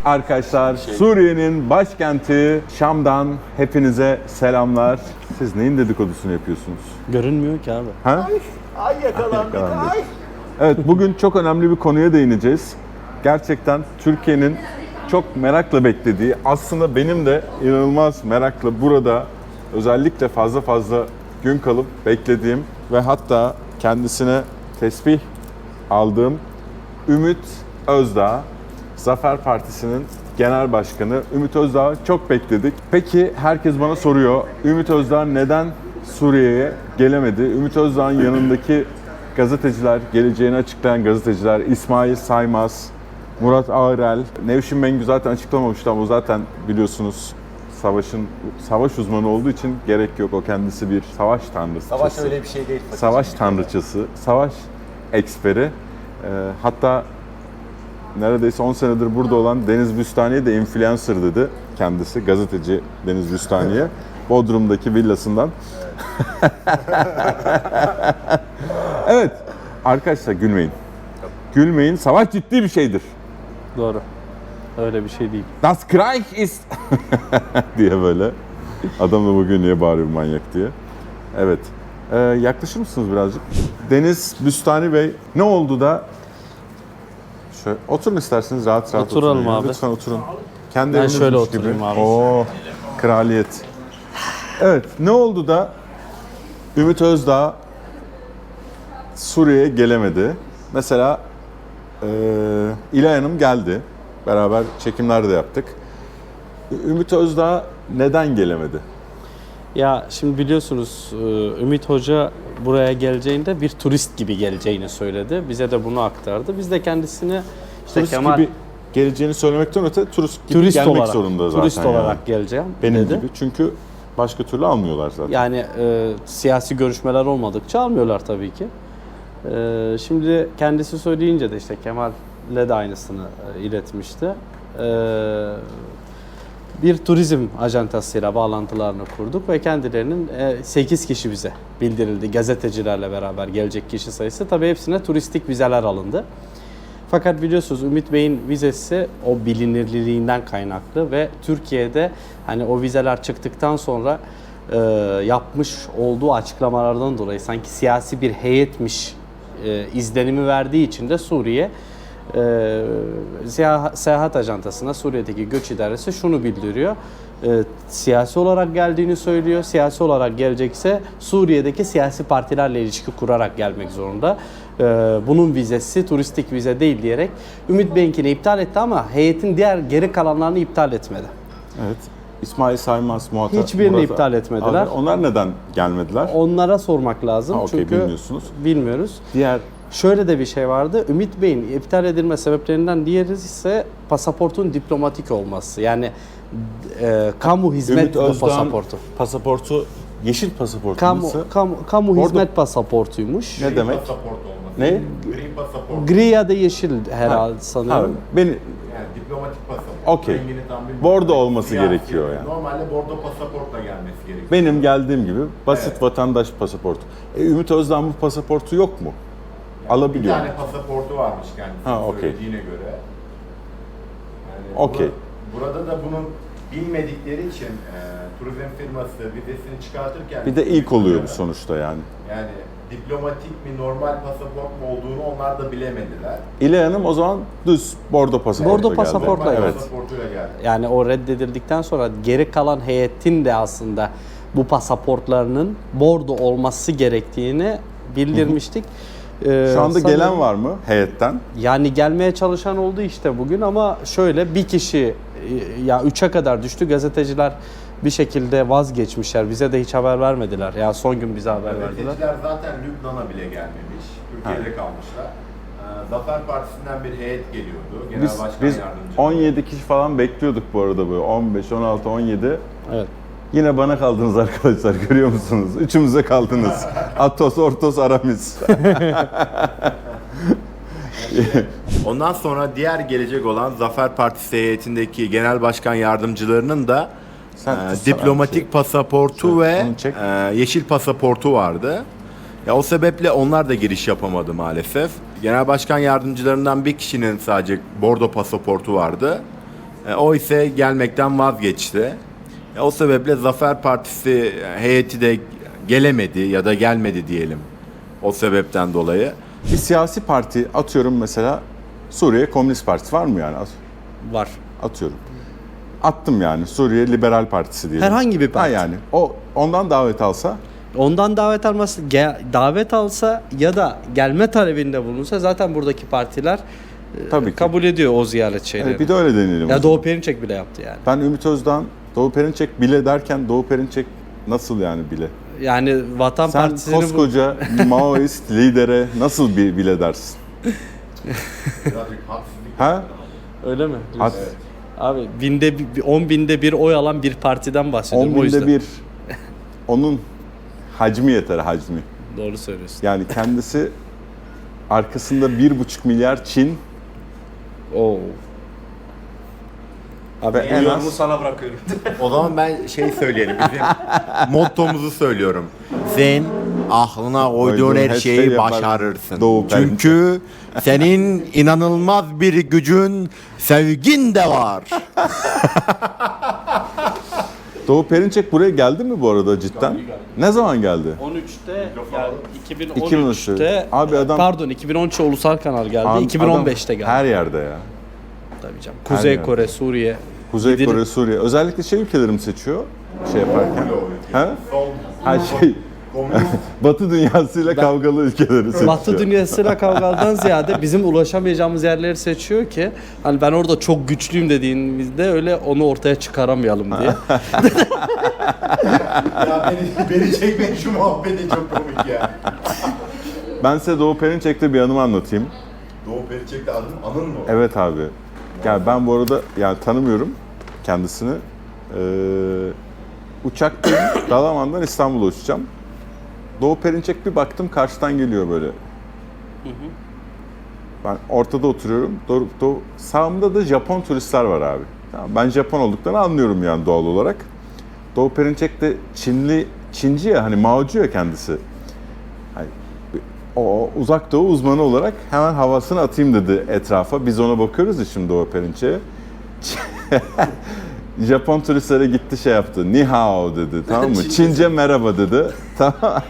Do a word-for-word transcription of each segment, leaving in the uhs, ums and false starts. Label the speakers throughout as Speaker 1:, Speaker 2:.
Speaker 1: Arkadaşlar Suriye'nin başkenti Şam'dan hepinize selamlar. Siz neyin dedikodusunu yapıyorsunuz?
Speaker 2: Görünmüyor ki abi.
Speaker 1: Ha?
Speaker 3: Ay yakalandık,
Speaker 1: Yakalandık.
Speaker 3: ay.
Speaker 1: Evet, bugün çok önemli bir konuya değineceğiz. Gerçekten Türkiye'nin çok merakla beklediği, aslında benim de inanılmaz merakla burada özellikle fazla fazla gün kalıp beklediğim ve hatta kendisine tesbih aldığım Ümit Özdağ, Zafer Partisi'nin genel başkanı. Ümit Özdağ'ı çok bekledik. Peki herkes bana soruyor, Ümit Özdağ neden Suriye'ye gelemedi? Ümit Özdağ'ın yanındaki gazeteciler, geleceğini açıklayan gazeteciler, İsmail Saymaz, Murat Ağırel, Nevşin Mengü zaten açıklamamıştı ama o zaten biliyorsunuz savaşın savaş uzmanı olduğu için gerek yok. O kendisi bir savaş tanrıçası.
Speaker 3: Savaş öyle bir şey değil.
Speaker 1: Savaş tanrıçası, savaş eksperi. Ee, hatta neredeyse on senedir burada olan Deniz Büstani'ye de influencer dedi kendisi. Gazeteci Deniz Büstani'ye. Bodrum'daki villasından. Evet. Arkadaşlar gülmeyin. Gülmeyin. Savaş ciddi bir şeydir.
Speaker 2: Doğru. Öyle bir şey değil.
Speaker 1: Das Krieg ist diye böyle. Adam da bugün niye bağırıyor manyak diye. Evet. Ee, yaklaşır mısınız birazcık? Deniz Büstani Bey, ne oldu da şöyle oturun isterseniz, rahat rahat
Speaker 2: Oturalım
Speaker 1: oturun. ya.
Speaker 2: abi.
Speaker 1: Lütfen oturun. Kendi
Speaker 2: Ben
Speaker 1: evinizmiş
Speaker 2: şöyle
Speaker 1: gibi.
Speaker 2: oturayım abi.
Speaker 1: Oo, kraliyet. Evet, ne oldu da Ümit Özdağ Suriye'ye gelemedi? Mesela e, İlay Hanım geldi. Beraber çekimler de yaptık. Ümit Özdağ neden gelemedi?
Speaker 2: Ya şimdi biliyorsunuz Ümit Hoca buraya geleceğinde bir turist gibi geleceğini söyledi. Bize de bunu aktardı. Biz de kendisine işte
Speaker 1: Turist
Speaker 2: Kemal
Speaker 1: gibi geleceğini söylemekten öte turist gibi
Speaker 2: turist
Speaker 1: gelmek
Speaker 2: olarak,
Speaker 1: zorunda zaten.
Speaker 2: turist
Speaker 1: yani.
Speaker 2: olarak geleceğim
Speaker 1: Benim
Speaker 2: dedi.
Speaker 1: gibi. Çünkü başka türlü almıyorlar zaten.
Speaker 2: Yani e, siyasi görüşmeler olmadıkça almıyorlar tabii ki. E, şimdi kendisi söyleyince de işte Kemal'le de aynısını e, iletmişti. E, bir turizm ajantasıyla bağlantılarını kurduk ve kendilerinin sekiz kişi bize bildirildi. Gazetecilerle beraber gelecek kişi sayısı. Tabii hepsine turistik vizeler alındı. Fakat biliyorsunuz Ümit Bey'in vizesi o bilinirliğinden kaynaklı ve Türkiye'de hani o vizeler çıktıktan sonra e, yapmış olduğu açıklamalardan dolayı sanki siyasi bir heyetmiş e, izlenimi verdiği için de Suriye e, seyahat ajantasına, Suriye'deki göç idaresi şunu bildiriyor. E, siyasi olarak geldiğini söylüyor. Siyasi olarak gelecekse Suriye'deki siyasi partilerle ilişki kurarak gelmek zorunda. E, bunun vizesi turistik vize değil diyerek Ümit Bey'inkini iptal etti ama heyetin diğer geri kalanlarını iptal etmedi.
Speaker 1: Evet. İsmail Saymaz, Muhatap.
Speaker 2: Hiçbirini
Speaker 1: Murat-
Speaker 2: iptal etmediler.
Speaker 1: Abi, onlar neden gelmediler?
Speaker 2: Onlara sormak lazım
Speaker 1: Ha, okey,
Speaker 2: çünkü
Speaker 1: bilmiyorsunuz.
Speaker 2: bilmiyoruz.
Speaker 1: Diğer
Speaker 2: Şöyle de bir şey vardı. Ümit Bey'in iptal edilme sebeplerinden diğeri ise pasaportun diplomatik olması. Yani e, kamu hizmet
Speaker 1: Ümit Özdağ'ın
Speaker 2: pasaportu.
Speaker 1: pasaportu yeşil pasaport
Speaker 2: Kamu,
Speaker 1: nasıl?
Speaker 2: kamu, kamu
Speaker 1: Orada-
Speaker 2: hizmet pasaportuymuş.
Speaker 1: Ne demek?
Speaker 3: Pasaport olması.
Speaker 1: Ne?
Speaker 3: Gri pasaport.
Speaker 2: Gri ya da yeşil herhalde
Speaker 1: Ha,
Speaker 2: sanıyorum.
Speaker 1: beni
Speaker 3: Yani diplomatik pasaport.
Speaker 1: Okey.
Speaker 3: Rengini tam bilmiyorum.
Speaker 1: Bordo olması
Speaker 3: Siyasi.
Speaker 1: gerekiyor yani.
Speaker 3: Normalde bordo pasaportla gelmesi gerekiyor.
Speaker 1: benim geldiğim gibi basit
Speaker 3: Evet.
Speaker 1: vatandaş pasaportu. E, Ümit Özdağ'ın bu pasaportu yok mu?
Speaker 3: Bir
Speaker 1: Alabiliyor.
Speaker 3: tane pasaportu varmış kendisi
Speaker 1: Ha, okey.
Speaker 3: söylediğine göre. Yani
Speaker 1: Okey.
Speaker 3: bura- Burada da bunun bilmedikleri için e, turizm firması vizesini çıkartırken...
Speaker 1: Bir de ilk oluyor bu sonuçta yani.
Speaker 3: Yani diplomatik mi, normal pasaport mu olduğunu onlar da bilemediler.
Speaker 1: İlay Hanım o zaman düz bordo pasaportla
Speaker 2: Bordo
Speaker 1: geldi.
Speaker 2: pasaportla
Speaker 3: Normal
Speaker 2: evet.
Speaker 3: pasaportuyla geldi.
Speaker 2: Yani o reddedildikten sonra geri kalan heyetin de aslında bu pasaportlarının bordo olması gerektiğini bildirmiştik. Ee,
Speaker 1: Şu anda
Speaker 2: sanırım-
Speaker 1: gelen var mı heyetten?
Speaker 2: Yani gelmeye çalışan oldu işte bugün ama şöyle bir kişi ya üçe kadar düştü. Gazeteciler bir şekilde vazgeçmişler. Bize de hiç haber vermediler. Ya son gün bize haber verdiler.
Speaker 3: Gazeteciler zaten Lübnan'a bile gelmemiş. Türkiye'de kalmışlar. Ee, Zafer Partisi'nden bir heyet geliyordu. Genel
Speaker 1: Biz,
Speaker 3: Başkan
Speaker 1: biz
Speaker 3: Yardımcısı.
Speaker 1: on yedi kişi falan bekliyorduk bu arada böyle on beş, on altı, on yedi.
Speaker 2: Evet.
Speaker 1: Yine bana kaldınız arkadaşlar, görüyor musunuz? Üçümüze kaldınız. Atos, Ortos, Aramis.
Speaker 3: Ondan sonra diğer gelecek olan Zafer Partisi heyetindeki genel başkan yardımcılarının da
Speaker 1: Sen
Speaker 3: e,
Speaker 1: tutsana
Speaker 3: diplomatik
Speaker 1: bir şey.
Speaker 3: pasaportu
Speaker 1: Şöyle,
Speaker 3: ve
Speaker 1: onu çek.
Speaker 3: e, yeşil pasaportu vardı. Ya o sebeple onlar da giriş yapamadı maalesef. Genel başkan yardımcılarından bir kişinin sadece bordo pasaportu vardı. E, o ise gelmekten vazgeçti. E, o sebeple Zafer Partisi heyeti de gelemedi ya da gelmedi diyelim. O sebepten dolayı.
Speaker 1: Bir siyasi parti atıyorum mesela Suriye Komünist Partisi var mı yani?
Speaker 2: Var.
Speaker 1: Atıyorum. Attım yani Suriye Liberal Partisi diyelim.
Speaker 2: Herhangi bir parti.
Speaker 1: Ha yani o ondan davet alsa
Speaker 2: Ondan davet alması, ge- davet alsa ya da gelme talebinde bulunsa zaten buradaki partiler e,
Speaker 1: Tabii ki.
Speaker 2: kabul ediyor o ziyaret şeylerini.
Speaker 1: evet, bir de öyle deneyelim.
Speaker 2: Ya Doğu Perinçek bile yaptı yani.
Speaker 1: Ben Ümit Özdağ'ın Doğu Perinçek bile derken Doğu Perinçek nasıl yani bile?
Speaker 2: Yani Vatan
Speaker 1: Sen
Speaker 2: Partisi'ni bu-
Speaker 1: koskoca Maoist lidere nasıl bir bile dersin? ha?
Speaker 2: Öyle mi?
Speaker 1: At,
Speaker 2: Abi binde bir- on binde bir oy alan bir partiden bahsediyorum
Speaker 1: on
Speaker 2: o yüzden.
Speaker 1: binde bir. Onun hacmi yeter hacmi.
Speaker 2: Doğru söylüyorsun.
Speaker 1: Yani kendisi arkasında bir buçuk milyar Çin
Speaker 2: Oo.
Speaker 1: ve en az
Speaker 2: sana bırakıyorum.
Speaker 3: O zaman ben şey söyleyelim. Bizim mottomuzu söylüyorum. Sen aklına koyduğun her şeyi
Speaker 1: yapar.
Speaker 3: başarırsın.
Speaker 1: Doğu Perinçek.
Speaker 3: Çünkü senin inanılmaz bir gücün, sevgin de var.
Speaker 1: Doğu Perinçek buraya geldi mi bu arada cidden? Ne zaman geldi?
Speaker 2: on üçte yani
Speaker 1: iki bin
Speaker 2: iki bin on üçte
Speaker 1: Abi adam-
Speaker 2: pardon iki bin on üç ulusal kanal geldi.
Speaker 1: Abi
Speaker 2: iki bin on beşte
Speaker 1: adam
Speaker 2: geldi.
Speaker 1: Her yerde ya.
Speaker 2: Tabii canım. Kuzey
Speaker 1: yerde.
Speaker 2: Kore, Suriye.
Speaker 1: Kuzey
Speaker 2: Gidilir-
Speaker 1: Kore, Suriye. Özellikle şey ülkeleri mi seçiyor şey yaparken? Ha? Her şey Batı dünyasıyla kavgalı ülkeleri seçiyor.
Speaker 2: Batı dünyasıyla kavgadan ziyade bizim ulaşamayacağımız yerleri seçiyor ki hani ben orada çok güçlüyüm dediğimizde öyle onu ortaya çıkaramayalım diye.
Speaker 3: Ya beni, beni çekmeyin şu muhabbeti çok komik ya.
Speaker 1: Ben size Doğu Perinçek'te bir anımı anlatayım.
Speaker 3: Doğu Perinçek'te adın Anıl mı?
Speaker 1: Evet abi. Yani ben bu arada yani tanımıyorum kendisini. Ee, uçaktayım. Dalaman'dan İstanbul'a uçacağım. Doğu Perinçek bir baktım karşıdan geliyor böyle. Ben ortada oturuyorum. Doğru, doğu, sağımda da Japon turistler var abi. Tamam, ben Japon olduklarını anlıyorum yani doğal olarak. Doğu Perinçek de Çinli, Çinci ya hani Maocu ya kendisi. Hani, o uzak doğu uzmanı olarak hemen havasını atayım dedi etrafa. Biz ona bakıyoruz ya şimdi Doğu Perinçek'e. Japon turistlere gitti şey yaptı. Ni hao dedi tamam mı?
Speaker 2: Çince.
Speaker 1: Çince merhaba dedi. Tamam.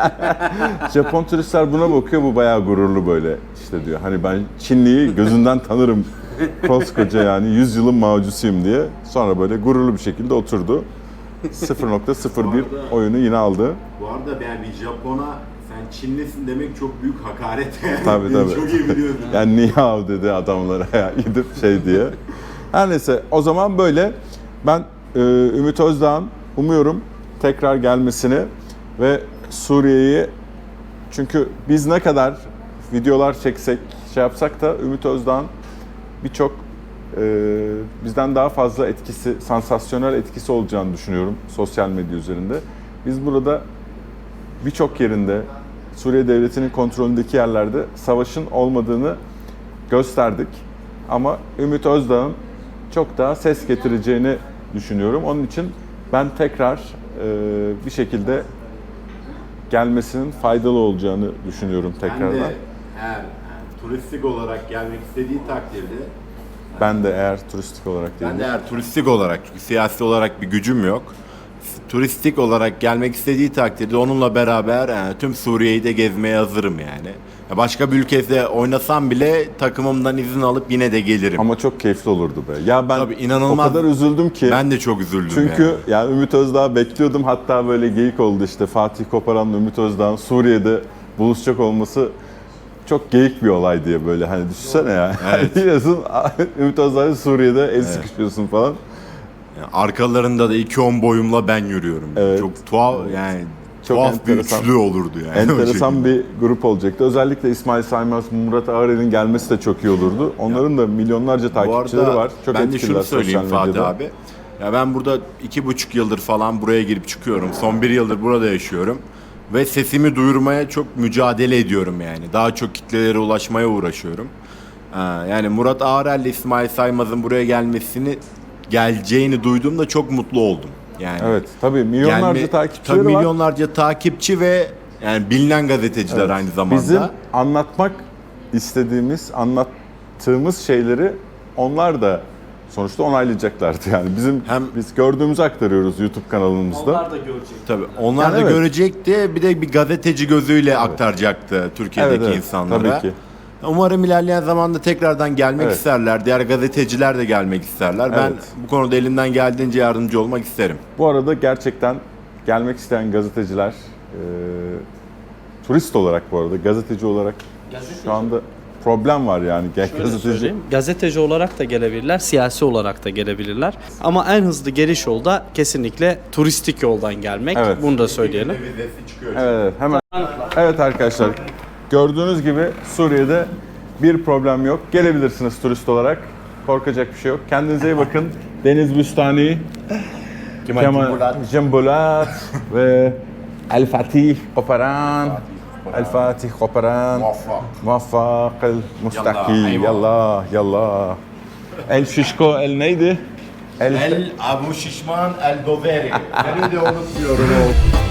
Speaker 1: Japon turistler buna bakıyor bu bayağı gururlu böyle işte diyor. Hani ben Çinliyi gözünden tanırım. Koskoca yani yüz yılın Mao'cusuyum diye. Sonra böyle gururlu bir şekilde oturdu. sıfır nokta sıfır bir oyunu yine aldı.
Speaker 3: Bu arada yani bir Japon'a sen Çinlisin demek çok büyük hakaret.
Speaker 1: Tabii tabii.
Speaker 3: Çok iyi biliyorsun.
Speaker 1: Yani ni hao dedi adamlara ya gidip şey diye. Her neyse o zaman böyle ben e, Ümit Özdağ'ın umuyorum tekrar gelmesini ve Suriye'yi çünkü biz ne kadar videolar çeksek şey yapsak da Ümit Özdağ'ın birçok e, bizden daha fazla etkisi, sansasyonel etkisi olacağını düşünüyorum sosyal medya üzerinde. Biz burada birçok yerinde Suriye Devleti'nin kontrolündeki yerlerde savaşın olmadığını gösterdik. Ama Ümit Özdağ'ın çok daha ses getireceğini düşünüyorum. Onun için ben tekrar e, bir şekilde gelmesinin faydalı olacağını düşünüyorum
Speaker 3: Ben
Speaker 1: tekrardan.
Speaker 3: de eğer yani, turistik olarak gelmek istediği takdirde
Speaker 1: Ben de eğer turistik olarak değil.
Speaker 3: ben de eğer turistik olarak çünkü siyasi olarak bir gücüm yok. Turistik olarak gelmek istediği takdirde onunla beraber yani, tüm Suriye'yi de gezmeye hazırım yani. Ya başka bir ülkede oynasam bile takımımdan izin alıp yine de gelirim.
Speaker 1: Ama çok keyifli olurdu be. Ya ben
Speaker 3: Tabii, inanılmaz.
Speaker 1: o kadar üzüldüm ki.
Speaker 3: Ben de çok üzüldüm
Speaker 1: Çünkü
Speaker 3: yani.
Speaker 1: yani Ümit Özdağ bekliyordum. Hatta böyle geyik oldu işte Fatih Koparan'la Ümit Özdağ'ın Suriye'de buluşacak olması çok geyik bir olay diye böyle hani düşünsene ya.
Speaker 3: Evet.
Speaker 1: Diyorsun Ümit Özdağ'la Suriye'de el sıkışıyorsun falan.
Speaker 3: Yani arkalarında da iki on boyumla ben yürüyorum.
Speaker 1: Evet.
Speaker 3: Çok tuhaf yani
Speaker 1: Çok
Speaker 3: tuhaf bir
Speaker 1: enteresan.
Speaker 3: üçlü olurdu yani. o
Speaker 1: Enteresan
Speaker 3: şekilde.
Speaker 1: bir grup olacaktı. Özellikle İsmail Saymaz, Murat Ağrel'in gelmesi de çok iyi olurdu. Onların da milyonlarca
Speaker 3: Bu
Speaker 1: takipçileri
Speaker 3: arada
Speaker 1: var. Çok
Speaker 3: ben de
Speaker 1: etkililer
Speaker 3: şunu söyleyeyim
Speaker 1: sosyal
Speaker 3: Fatih
Speaker 1: medyada.
Speaker 3: abi. Ya ben burada iki buçuk yıldır falan buraya girip çıkıyorum. Son bir yıldır burada yaşıyorum. Ve sesimi duyurmaya çok mücadele ediyorum yani. Daha çok kitlelere ulaşmaya uğraşıyorum. Ha, yani Murat Ağrel ile İsmail Saymaz'ın buraya gelmesini geleceğini duyduğumda çok mutlu oldum. Yani
Speaker 1: Evet, tabii milyonlarca
Speaker 3: gelme-
Speaker 1: takipçileri
Speaker 3: tabii
Speaker 1: var.
Speaker 3: milyonlarca takipçi ve yani bilinen gazeteciler
Speaker 1: Evet.
Speaker 3: aynı zamanda.
Speaker 1: Bizim anlatmak istediğimiz, anlattığımız şeyleri onlar da sonuçta onaylayacaklardı yani. Bizim
Speaker 3: Hem-
Speaker 1: biz gördüğümüzü aktarıyoruz YouTube kanalımızda.
Speaker 2: Onlar da görecek.
Speaker 3: Tabii onlar
Speaker 1: Yani
Speaker 3: da
Speaker 1: evet.
Speaker 3: görecekti. Bir de bir gazeteci gözüyle aktaracaktı Türkiye'deki
Speaker 1: Evet, evet.
Speaker 3: insanlara.
Speaker 1: Tabii ki.
Speaker 3: Umarım ilerleyen zamanda tekrardan gelmek
Speaker 1: Evet.
Speaker 3: isterler. Diğer gazeteciler de gelmek isterler. Ben
Speaker 1: Evet.
Speaker 3: bu konuda elimden geldiğince yardımcı olmak isterim.
Speaker 1: Bu arada gerçekten gelmek isteyen gazeteciler, e, turist olarak bu arada, gazeteci olarak
Speaker 2: Gazeteci.
Speaker 1: şu anda problem var yani. Gel
Speaker 2: Şöyle
Speaker 1: gazeteci.
Speaker 2: söyleyeyim, gazeteci olarak da gelebilirler, siyasi olarak da gelebilirler. Ama en hızlı geliş yolu da kesinlikle turistik yoldan gelmek.
Speaker 1: Evet.
Speaker 2: Bunu da söyleyelim.
Speaker 1: Evet, evet, hemen. Evet arkadaşlar, gördüğünüz gibi Suriye'de bir problem yok. Gelebilirsiniz turist olarak. Korkacak bir şey yok. Kendinize iyi bakın. Deniz Büstani, Kemal Cembulat ve El Fatih Koparan. El Fatih Koparan. Muvaffak El Mustaki. Yallah, yallah. El Şişko, El neydi?
Speaker 3: El Abu Şişman El Doveri. Beni de unutmuyorum o.